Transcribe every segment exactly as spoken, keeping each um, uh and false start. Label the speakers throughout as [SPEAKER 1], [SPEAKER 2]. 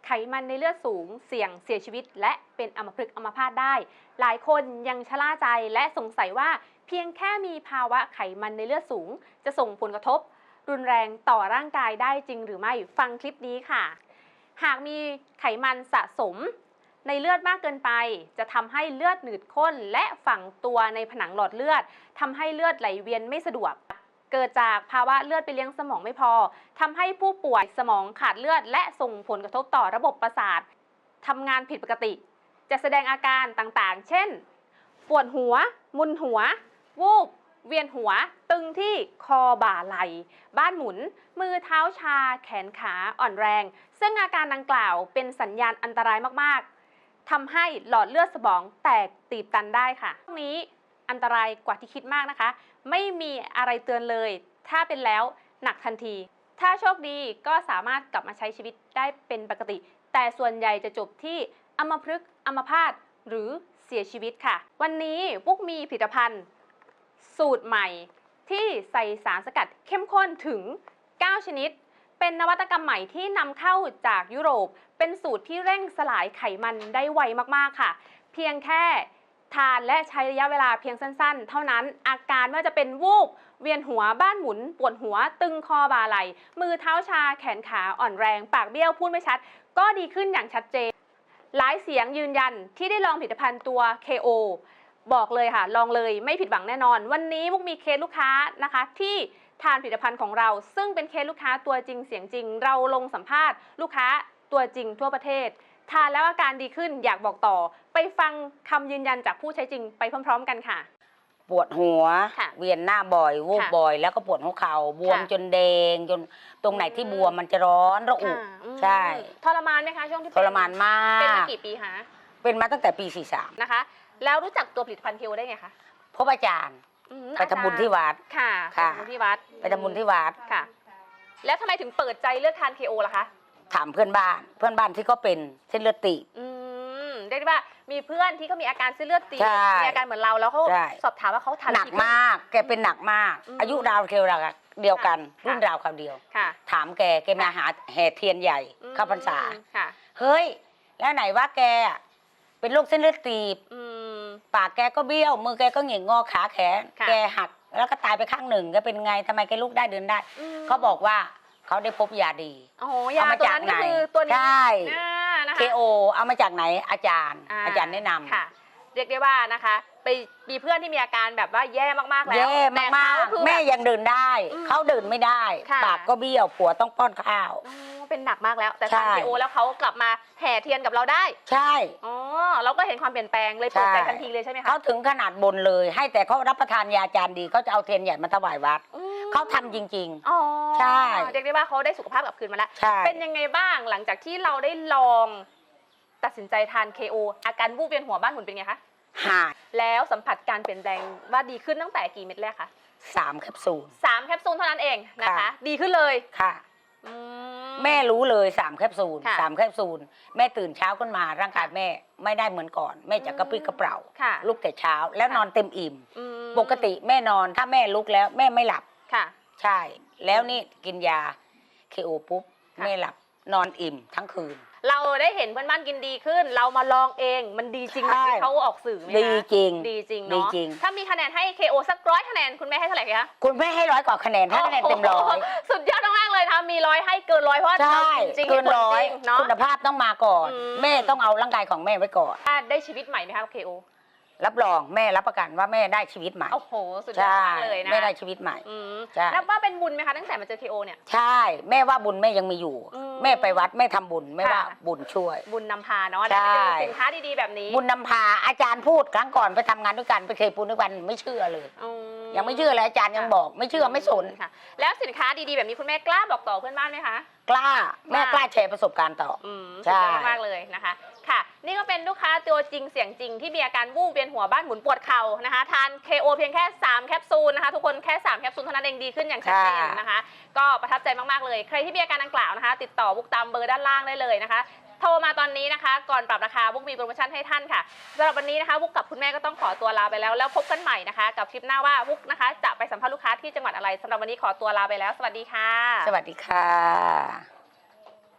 [SPEAKER 1] ไขมันในเลือดสูงเสี่ยงเสียชีวิตและเป็นอัมพฤกษ์อัมพาตได้หลายคนยังชะล่าใจและสงสัยว่าเพียงแค่มีภาวะไขมันในเลือดสูงจะส่งผลกระทบรุนแรงต่อร่างกายได้จริงหรือไม่ฟังคลิปนี้ค่ะหากมีไขมันสะสมในเลือดมากเกินไปจะทำให้เลือดหนืดข้นและฝังตัวในผนังหลอดเลือดทำให้เลือดไหลเวียนไม่สะดวกเกิดจากภาวะเลือดไปเลี้ยงสมองไม่พอทำให้ผู้ป่วยสมองขาดเลือดและส่งผลกระทบต่อระบบประสาททำงานผิดปกติจะแสดงอาการต่างๆเช่นปวดหัวมึนหัววูบเวียนหัวตึงที่คอบ่าไหล่บ้านหมุนมือเท้าชาแขนขาอ่อนแรงซึ่งอาการดังกล่าวเป็นสัญญาณอันตรายมากๆทำให้หลอดเลือดสมองแตกตีบตันได้ค่ะพวกนี้อันตรายกว่าที่คิดมากนะคะไม่มีอะไรเตือนเลยถ้าเป็นแล้วหนักทันทีถ้าโชคดีก็สามารถกลับมาใช้ชีวิตได้เป็นปกติแต่ส่วนใหญ่จะจบที่อัมพฤกษ์อัมพาตหรือเสียชีวิตค่ะวันนี้ปุ๊กมีผลิตภัณฑ์สูตรใหม่ที่ใส่สารสกัดเข้มข้นถึงเก้าชนิดเป็นนวัตกรรมใหม่ที่นำเข้าจากยุโรปเป็นสูตรที่เร่งสลายไขมันได้ไวมากๆค่ะเพียงแค่ทานและใช้ระยะเวลาเพียงสั้นๆเท่านั้นอาการไม่ว่าจะเป็นวูบเวียนหัวบ้านหมุนปวดหัวตึงคอบ่าไหล่มือเท้าชาแขนขาอ่อนแรงปากเบี้ยวพูดไม่ชัดก็ดีขึ้นอย่างชัดเจนหลายเสียงยืนยันที่ได้ลองผลิตภัณฑ์ตัว เค โอ บอกเลยค่ะลองเลยไม่ผิดหวังแน่นอนวันนี้มุกมีเคสลูกค้านะคะที่ทานผลิตภัณฑ์ของเราซึ่งเป็นเคสลูกค้าตัวจริงเสียงจริงเราลงสัมภาษณ์ลูกค้าตัวจริงทั่วประเทศทานแล้วอาการดีขึ้นอยากบอกต่อไปฟังคำยืนยันจากผู้ใช้จริงไปพร้อมๆกันค่ะ
[SPEAKER 2] ปวดหัวเวียนหน้าบ่อยวูบบ่อยแล้วก็ปวดหัวเข่าบวมจนแดงจนตรงไหนที่บวมมันจะร้อนระอุใช่
[SPEAKER 1] ทรมานไหมคะช่วงที่
[SPEAKER 2] ทรมานมาก
[SPEAKER 1] เป็นมากี่ปีคะ
[SPEAKER 2] เป็นมาตั้งแต่ปีสี่สิบสาม
[SPEAKER 1] นะคะแล้วรู้จักตัวผลิตภัณฑ์เคโอได้ไงคะ
[SPEAKER 2] พบอาจารย์ไปทำบุญที่วัด
[SPEAKER 1] ค่ะไปทำบุญที่วัด
[SPEAKER 2] ไปทำบุญที่วัด
[SPEAKER 1] ค่ะแล้วทำไมถึงเปิดใจเลือกทานเคโอล่ะคะ
[SPEAKER 2] ถามเพื่อนบ้านเพื่อนบ้านที่เขาเป็นเส้นเลือดตีบ
[SPEAKER 1] อืมได้ว่ามีเพื่อนที่เขามีอาการเส้นเลือดตีบมีอาการเหมือนเราแล้วเขาสอบถามว่าเขาทาน
[SPEAKER 2] หนักมากแกเป็นหนักมากอายุราวเดียวกันเดียวกันรุ่นราวคราวเดียวถามแกแกมาหาแห่เทียนใหญ่เข้าพรรษาเฮ้ยแล้วไหนว่าแกเป็นโรคเส้นเลือดตีบปากแกก็เบี้ยวมือแกก็เหงี่ยงงอขาแขนแกหักแล้วก็ตายไปข้างหนึ่งแกเป็นไงทำไมแกลุกได้เดินได้เขาบอกว่าเขาได้พบยาดี
[SPEAKER 1] เอามาจากไหน
[SPEAKER 2] ใช่เคโอเอามาจากไหนอาจารย์อาจารย์แนะนำ
[SPEAKER 1] ค่ะเรียกได้ว่านะคะไปมีเพื่อนที่มีอาการแบบว่าแย่มากๆแล้ว
[SPEAKER 2] แย่มากๆแม่ยังเดินได้เขาเดินไม่ได้ปากก็เบี้ยวผัวต้องป้อนข้าว
[SPEAKER 1] เป็นหนักมากแล้วแต่ทานเคโอแล้วเขากลับมาแห่เทียนกับเราได้
[SPEAKER 2] ใช่
[SPEAKER 1] อ๋อเราก็เห็นความเปลี่ยนแปลงเลยเปิดใจทันทีเลยใช่ไหมคะ
[SPEAKER 2] เขาถึงขนาดบนเลยให้แต่เขารับประทานยาจารย์ดีเขาจะเอาเทียนใหญ่มาถวายวัดเขาทำจริง
[SPEAKER 1] ๆอ๋อใช่เรียกได้ว่าเขาได้สุขภาพกลับคืนมาแล้วเป็นยังไงบ้างหลังจากที่เราได้ลองตัดสินใจทาน เค โอ อาการวูบเวียนหัวบ้านหมุนเป็นไงคะ
[SPEAKER 2] หาย
[SPEAKER 1] แล้วสัมผัสการเปลี่ยนแปลงว่าดีขึ้นตั้งแต่กี่เม็ดแรกคะ
[SPEAKER 2] สามแคปซูล
[SPEAKER 1] สามแคปซูลเท่านั้นเองนะคะดีขึ้นเลย
[SPEAKER 2] ค่ะแม่รู้เลยสามแคปซูลสามแคปซูลแม่ตื่นเช้าขึ้นมาร่างกายแม่ไม่ได้เหมือนก่อนแม่จะกระปรี้กระเปร่าลุกแต่เช้าแล้วนอนเต็มอิ่มปกติแม่นอนถ้าแม่ลุกแล้วแม่ไม่หลับ
[SPEAKER 1] ค่ะ
[SPEAKER 2] ใช่แล้วนี่กินยาเคโอปุ๊บแม่หลับนอนอิ่มทั้งคืน
[SPEAKER 1] เราได้เห็นเพื่อนบ้านกินดีขึ้นเรามาลองเองมันดีจริงไหมเขาออกสื่อไหมคะ
[SPEAKER 2] ดีจริง
[SPEAKER 1] ดีจริงเนาะถ้ามีคะแนนให้ เค โอ สักร้อยคะแนนคุณแม่ให้เท่าไหร่คะ
[SPEAKER 2] คุณแม่ให้ร้อยกว่าคะแนนให้คะแนนเต็มร้อย
[SPEAKER 1] สุดยอดมากเลยค่ะมีร้อยให้เกินร้อยเพราะเราจริง
[SPEAKER 2] เกินร้อยคุณภาพต้องมาก่อนแม่ต้องเอาร่างกายของแม่ไว้ก่อน
[SPEAKER 1] ได้ชีวิตใหม่ไหมคะ เค โอ
[SPEAKER 2] รับรองแม่รับประกันว่าแม่ได้ชีวิตใหม่
[SPEAKER 1] โอ้โหสุดยอดมากเลยนะ
[SPEAKER 2] แม่ได้ชีวิตใหม่
[SPEAKER 1] นับว่าเป็นบุญไหมคะตั้งแต่มาเจอ เค โอ เนี่ย
[SPEAKER 2] ใช่แม่ว่าบุญแม่ยังมีอยู่แม่ไปวัดแม่ทำบุญแม่ว่าบุญช่วย
[SPEAKER 1] บุญนำพาเนาะได้เจอสินค้าดีๆแบบนี้
[SPEAKER 2] บุญนำพาอาจารย์พูดครั้งก่อนไปทำงานด้วยกันไปเคยปูนด้วยกันไม่เชื่อเลยยังไม่เชื่อเลยอาจารย์ยังบอกไม่เชื่อไม่สน
[SPEAKER 1] ค่ะแล้วสินค้าดีๆแบบนี้คุณแม่กล้าบอกต่อเพื่อนบ้านไหมคะ
[SPEAKER 2] กล้าแม่กล้าแชร์ประสบการณ์ต่อ
[SPEAKER 1] ใช่มากเลยนะคะค่ะนี่ก็เป็นลูกค้าตัวจริงเสียงจริงที่มีอาการวูบเวียนหัวบ้านหมุนปวดเข่านะคะทาน เค โอ เพียงแค่สามแคปซูลนะคะทุกคนแค่สามแคปซูลเท่านั้นเองดีขึ้นอย่างชัดเจนนะคะก็ประทับใจมากๆเลยใครที่มีอาการดังกล่าวนะคะติดต่อบุ๊กตามเบอร์ด้านล่างได้เลยนะคะโทรมาตอนนี้นะคะก่อนปรับราคาบุ๊กมีโปรโมชั่นให้ท่านค่ะสำหรับวันนี้นะคะบุ๊กกับคุณแม่ก็ต้องขอตัวลาไปแล้วแล้วพบกันใหม่นะคะกับคลิปหน้าว่าบุ๊กนะคะจะไปสัมภาษณ์ลูกค้าที่จังหวัดอะไรสำหรับวันนี้ขอตัวลาไปแล้วสวัสดีค่ะ
[SPEAKER 2] สวัสดีค่ะ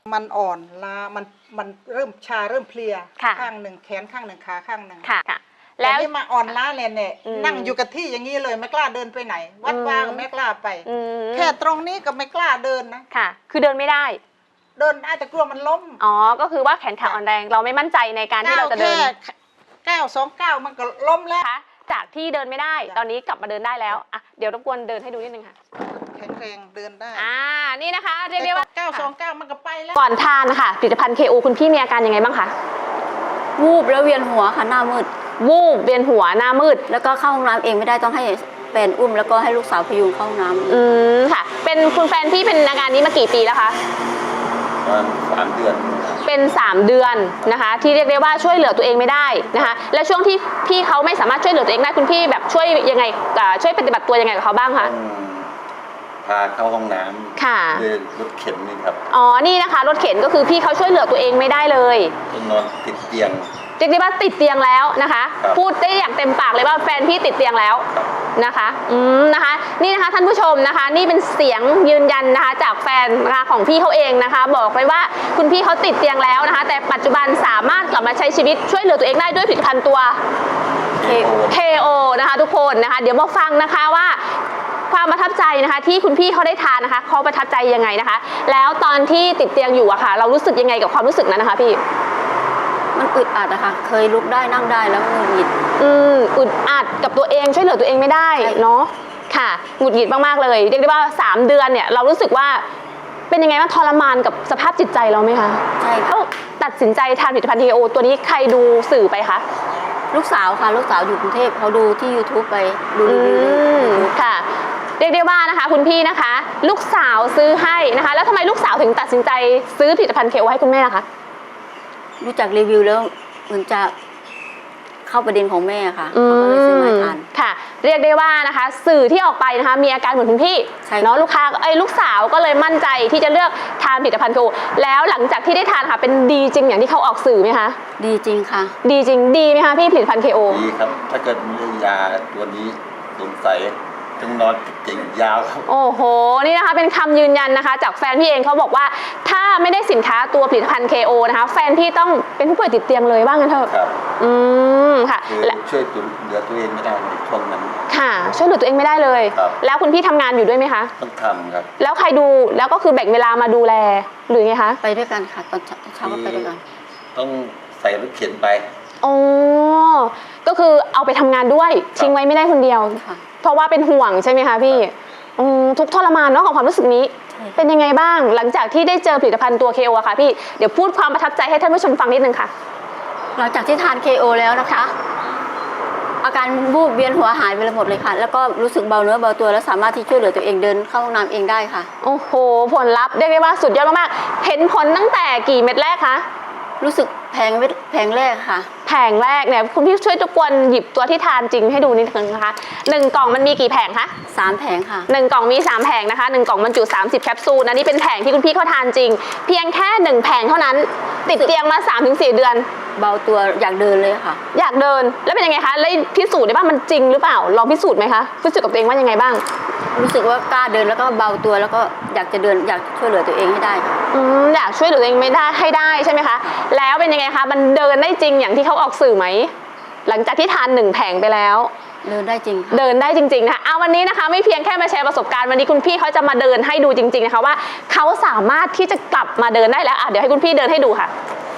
[SPEAKER 3] มันอ่อนล้ามันมันเริ่มชาเริ่มเพลีย
[SPEAKER 1] ค่ะ
[SPEAKER 3] ข้างหนึ่งแขนข้างหนึ่งขาข้างหนึ่ง
[SPEAKER 1] ค่ะค่ะ
[SPEAKER 3] แล้
[SPEAKER 1] แล้ว ว
[SPEAKER 3] นี่มาอ่อนล้าเลยเนี่ย
[SPEAKER 1] อืม
[SPEAKER 3] นั่งอยู่กับที่อย่างนี้เลยไม่กล้าเดินไปไหน วัด
[SPEAKER 1] อืม
[SPEAKER 3] วาก็ไม่กล้าไป
[SPEAKER 1] อืม
[SPEAKER 3] แค่ตรงนี้ก็ไม่กล้าเดินนะ
[SPEAKER 1] ค่ะ คือเดินไม่ได้
[SPEAKER 3] เดินได้แต่กลัวมันล้ม
[SPEAKER 1] อ๋อ ก็คือว่าแขนขาอ่อนแรง เราไม่มั่นใจในการที่เราจะเดิน
[SPEAKER 3] แค่ก้าวสองก้าวมันก็ล้มแล้ว
[SPEAKER 1] นะคะจากที่เดินไม่ได้
[SPEAKER 3] จ้ะ
[SPEAKER 1] ตอนนี้กลับมาเดินได้แล้วอ่ะเดี๋ยวรบกวนเดินให้ดูนิดนึงค่ะ
[SPEAKER 3] แข็งแรงเดินได้
[SPEAKER 1] อ่า นี่นะคะ เรียกได้ว่า
[SPEAKER 3] ก้าวสองก้าวมันก็ไปแล้ว
[SPEAKER 1] ก่อนทานนะคะผลิตภัณฑ์ เค โอ คุณพี่มีอาการยังไงบ้างคะ
[SPEAKER 4] วูบแล้วเวียนหัวค่ะหน้ามืด
[SPEAKER 1] วูบเวียนหัวหน้ามืด
[SPEAKER 4] แล้วก็เข้าห้องน้ำเองไม่ได้ต้องให้แฟนอุ้ม แล้วก็ให้ลูกสาวพยุงเข้าห้องน้ำ
[SPEAKER 1] อืมค่ะ เป็นคุณแฟนพี่เป็นอาการนี้มากี่ปีแล้วคะ
[SPEAKER 5] ประมาณสามเดือนครับ
[SPEAKER 1] เป็น สาม เดือนนะคะ ที่เรียกได้ว่าช่วยเหลือตัวเองไม่ได้นะคะ และช่วงที่พี่เขาไม่สามารถช่วยเหลือตัวเองได้คุณพี่แบบช่วยยังไงอ่าช่วยปฏิบัติตัวยังไงกับเขาบ้างคะ
[SPEAKER 5] ต้องพาเข้าห้องน้ำ
[SPEAKER 1] ค่ะ
[SPEAKER 5] ด้วยรถเข็นนี่ครับ
[SPEAKER 1] อ๋อ นี่นะคะรถเข็นก็คือพี่เขาช่วยเหลือตัวเองไม่ได้เลย
[SPEAKER 5] ต้องนอนติดเตียง
[SPEAKER 1] เรียกได้ว่าติดเตียงแล้วนะคะ
[SPEAKER 5] ครับ
[SPEAKER 1] พูดได้อย่างเต็มปากเลยว่าแฟนพี่ติดเตียงแล้ว
[SPEAKER 5] ครับ
[SPEAKER 1] นะคะอืมนะคะนี่นะคะท่านผู้ชมนะคะ นี่เป็นเสียงยืนยันนะคะจากแฟนนะคะของพี่เขาเองนะคะ บอกเลยว่าคุณพี่เขาติดเตียงแล้วนะคะ แต่ปัจจุบันสามารถกลับมาใช้ชีวิตช่วยเหลือตัวเองได้ด้วยผลิตภัณฑ์ตัว
[SPEAKER 5] เคโอ
[SPEAKER 1] เค โอ นะคะทุกคนนะคะ เดี๋ยวมาฟังนะคะว่าความประทับใจนะคะที่คุณพี่เขาได้ทานนะคะเขาประทับใจยังไงนะคะ แล้วตอนที่ติดเตียงอยู่อะค่ะ เรารู้สึกยังไงกับความรู้สึกนั้นนะคะพี่
[SPEAKER 4] มันอึดอัดอะค่ะ เคยลุกได้นั่งได้แล้วหงุดหงิด
[SPEAKER 1] อืมอึดอัดกับตัวเองช่วยเหลือตัวเองไม่ได้
[SPEAKER 4] ใช่
[SPEAKER 1] เนาะค่ะหงุดหงิดมากๆเลยเรียกได้ว่าสามเดือนเนี่ยเรารู้สึกว่าเป็นยังไงบ้างทรมานกับสภาพจิตใจเราไหมคะ
[SPEAKER 4] ใช่ค่ะ
[SPEAKER 1] เอ้าตัดสินใจทานผลิตภัณฑ์ เค โอ ตัวนี้ใครดูสื่อไปคะ
[SPEAKER 4] ลูกสาวค่ะ ลูกสาวอยู่กรุงเทพเขาดูที่ YouTube ไปดู
[SPEAKER 1] อื
[SPEAKER 4] รีวิวใน
[SPEAKER 1] ม
[SPEAKER 4] YouTube
[SPEAKER 1] ค่ะ เรียกได้ว่านะคะ คุณพี่นะคะ ลูกสาวซื้อให้นะคะ แล้วทำไมลูกสาวถึงตัดสินใจซื้อผลิตภัณฑ์ เค โอ ให้คุณแม่ล่ะคะ
[SPEAKER 4] รู้จักรีวิวแล้วเหมือนจะเข้าประเด็นของแม่ค่ะ
[SPEAKER 1] อื
[SPEAKER 4] เขาก็เลยซื้อมาให้
[SPEAKER 1] ม
[SPEAKER 4] ทาน
[SPEAKER 1] ค่ะ เรียกได้ว่านะคะ สื่อที่ออกไปนะคะ มีอาการเหมือนคุณพี่
[SPEAKER 4] ใช่
[SPEAKER 1] เนาะลูกค้าไอ้ยลูกสาวก็เลยมั่นใจที่จะเลือกทานผลิตภัณฑ์ เค โอ แล้วหลังจากที่ได้ทานค่ะเป็นดีจริงอย่างที่เขาออกสื่อไหมคะ
[SPEAKER 4] ดีจริงค่ะ
[SPEAKER 1] ดีจริงดีไหมคะพี่ผลิตภัณฑ์ เค โอ
[SPEAKER 5] ดีครับ ถ้าเกิดมียาตัวนี้สงสัยต้องนอนติดเตียงยาวครับ
[SPEAKER 1] โอ้โห นี่นะคะเป็นคำยืนยันนะคะ จากแฟนพี่เองเขาบอกว่าถ้าไม่ได้สินค้าตัวผลิตภัณฑ์ เค โอ นะคะ แฟนพี่ต้องเป็นผู้ป่วยติดเตียงเลยว่างั้นเถอะ
[SPEAKER 5] ครับ
[SPEAKER 1] อืมค่ะ
[SPEAKER 5] คือ
[SPEAKER 1] และ
[SPEAKER 5] ช่วยตัวเหลือตัวเองไม่ได้ในช่วงนั้น
[SPEAKER 1] ค่ะช่วยเหลือตัวเองไม่ได้เลย
[SPEAKER 5] ครับ
[SPEAKER 1] แล้วคุณพี่ทำงานอยู่ด้วยไหมคะ
[SPEAKER 5] ต้องทำครับ
[SPEAKER 1] แล้วใครดูแล้วก็คือแบ่งเวลามาดูแลหรือไงคะ
[SPEAKER 4] ไปด้วยกันค่ะ ตอนเช้าก็ไปด้วยกัน
[SPEAKER 5] ต้องใส่รถเข็นไป
[SPEAKER 1] อ๋อก็คือเอาไปทำงานด้วยทิ้งไว้ไม่ได้คนเดียว
[SPEAKER 4] ค่ะ
[SPEAKER 1] เพราะว่าเป็นห่วงใช่ไหมคะพี่อืมทุกข์ทรมานเนาะของความรู้สึกนี้
[SPEAKER 4] ใช่
[SPEAKER 1] เป็นยังไงบ้าง หลังจากที่ได้เจอผลิตภัณฑ์ตัว เค โอ อะค่ะพี่เดี๋ยวพูดความประทับใจให้ท่านผู้ชมฟังนิดนึงค่ะ
[SPEAKER 4] หลังจากที่ทาน เค โอ แล้วนะคะ อาการวูบเวียนหัวหายไปเลยหมดเลยค่ะ แล้วก็รู้สึกเบาเนื้อเบาตัวแล้วสามารถที่ช่วยเหลือตัวเองเดินเข้าห้องน้ำเองได้ค่ะ
[SPEAKER 1] โอ้โหผลลัพธ์เรียกได้ว่าสุดยอดมากๆเห็นผลตั้งแต่กี่เม็ดแรกคะ
[SPEAKER 4] รู้สึกแพงเม็ดแพงแรกค่ะ
[SPEAKER 1] แผงแรกเนี่ยคุณพี่ช่วยทุกคนหยิบตัวที่ทานจริงให้ดูนิดนึงนะคะหนึ่งกล่องมันมีกี่แผงคะ
[SPEAKER 4] สามแผงค่ะ
[SPEAKER 1] หนึ่งกล่องมีสามแผงนะคะหนึ่งกล่องบรรจุสามสิบแคปซูลอันนี้เป็นแผงที่คุณพี่เขาทานจริง เพียงแค่หนึ่งแผงเท่านั้น ติดเตียงมา สามถึงสี่ เดือน
[SPEAKER 4] เบาตัวอยากเดินเลยค่ะ
[SPEAKER 1] อยากเดินแล้วเป็นยังไงคะแล้วพิสูจน์ได้บ้างมันจริงหรือเปล่าลองพิสูจน์ไหมคะพิสูจน์กับตัวเองว่ายังไงบ้าง
[SPEAKER 4] รู้สึกว่ากล้าเดินแล้วก็เบาตัวแล้วก็อยากจะเดินอยากช่วยเหลือตัวเองให้ได้ค่ะ
[SPEAKER 1] อืมอยากช่วยเหลือตัวเองไม่ได้ให้ได้ใช่ไหมคะแล้วเป็นยังไงคะมันเดินได้จริงอย่างที่เขาออกสื่อไหมหลังจากที่ทานหนึ่งแผงไปแล้ว
[SPEAKER 4] เดินได้จริงค่ะ
[SPEAKER 1] เดินได้จริงๆนะคะเอาวันนี้นะคะไม่เพียงแค่มาแชร์ประสบการณ์วันนี้คุณพี่เขาจะมาเดินให้ดูจริงๆนะคะว่าเขาสามารถที่จะกลับมาเดินได้แล้วอ่ะเดี๋ยวให้คุณพี่เดินให้ดูค่ะ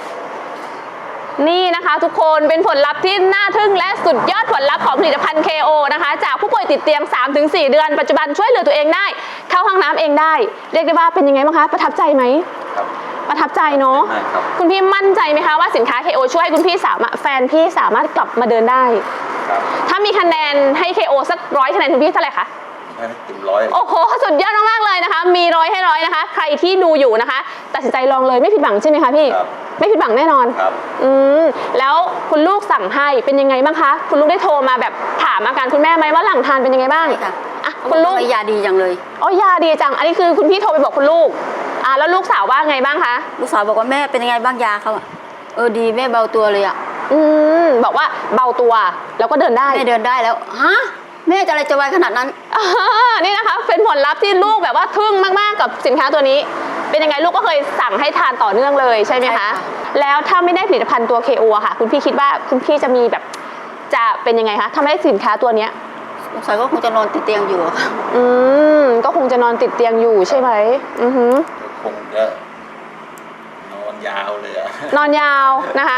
[SPEAKER 1] นี่นะคะทุกคนเป็นผลลัพธ์ที่น่าทึ่งและสุดยอดผลลัพธ์ของผลิตภัณฑ์ เค โอ นะคะจากผู้ป่วยติดเตียง สามถึงสี่ เดือนปัจจุบันช่วยเหลือตัวเองได้เข้าห้องน้ำเองได้เรียกได้ว่าเป็นยังไงบ้างคะประทับใจไหม
[SPEAKER 5] ครับ
[SPEAKER 1] ประทับใจเนาะ
[SPEAKER 5] ได้ครับ
[SPEAKER 1] คุณพี่มั่นใจไหมคะว่าสินค้า เค โอ ช่วยให้คุณพี่สามารถแฟนพี่สามารถกลับมาเดินได้
[SPEAKER 5] ครับ
[SPEAKER 1] ถ้ามีคะแนนให้ เค โอ สักร้อยคะแนนคุณพี่เท่าไหร่คะ
[SPEAKER 5] ให้เต็มร้อย
[SPEAKER 1] โอ้โหสุดยอดมากๆเลยนะคะ มีร้อยให้ร้อยนะคะ ใครที่ดูอยู่นะคะ ตัดสินใจลองเลยไม่ผิดหวังใช่ไหมคะพี่
[SPEAKER 5] ครับ
[SPEAKER 1] ไม่ผิดหวังแน่นอน
[SPEAKER 5] ครับ
[SPEAKER 1] อืมแล้วคุณลูกสั่งให้เป็นยังไงบ้างคะ คุณลูกได้โทรมาแบบถามอาการคุณแม่ไหมว่าหลังทานเป็นยังไงบ้าง
[SPEAKER 4] ใช่ค่ะ
[SPEAKER 1] อ่ะคุณลูก
[SPEAKER 4] ทำไมยาดีจังเลย
[SPEAKER 1] อ๋อยาดีจัง อันนี้คือคุณพี่โทรไปบอกคุณลูกอ่าแล้วลูกสาวว่าไงบ้างคะ
[SPEAKER 4] ลูกสาวบอกว่าแม่เป็นยังไงบ้างยาเขาอะเออดีแม่เบาตัวเลยอะ
[SPEAKER 1] อืมบอกว่าเบาตัวแล้วก็เดินได้
[SPEAKER 4] แม่เดินได้แล้วฮะแม่จะอะไรจะไวขนาดนั้น
[SPEAKER 1] อ่านี่นะคะเป็นผลลัพธ์ที่ลูกแบบว่าทึ่งมากๆกับสินค้าตัวนี้เป็นยังไงลูกก็เคยสั่งให้ทานต่อเนื่องเลยใช่ไหม
[SPEAKER 4] ใช่
[SPEAKER 1] คะ
[SPEAKER 4] ค่ะ
[SPEAKER 1] แล้วถ้าไม่ได้ผลิตภัณฑ์ตัว เค โอ อะค่ะ คุณพี่คิดว่าคุณพี่จะมีแบบจะเป็นยังไงคะถ้าไม่ได้สินค้าตัวเนี้ย
[SPEAKER 4] สงสัยก็คงจะนอนติดเตียงอยู่อะค่ะ
[SPEAKER 1] อืมก็คงจะนอนติดเตียงอยู่ใช่ไหมอือหือ
[SPEAKER 5] คงจะนอนยาวเลยอะ
[SPEAKER 1] นอนยาวนะคะ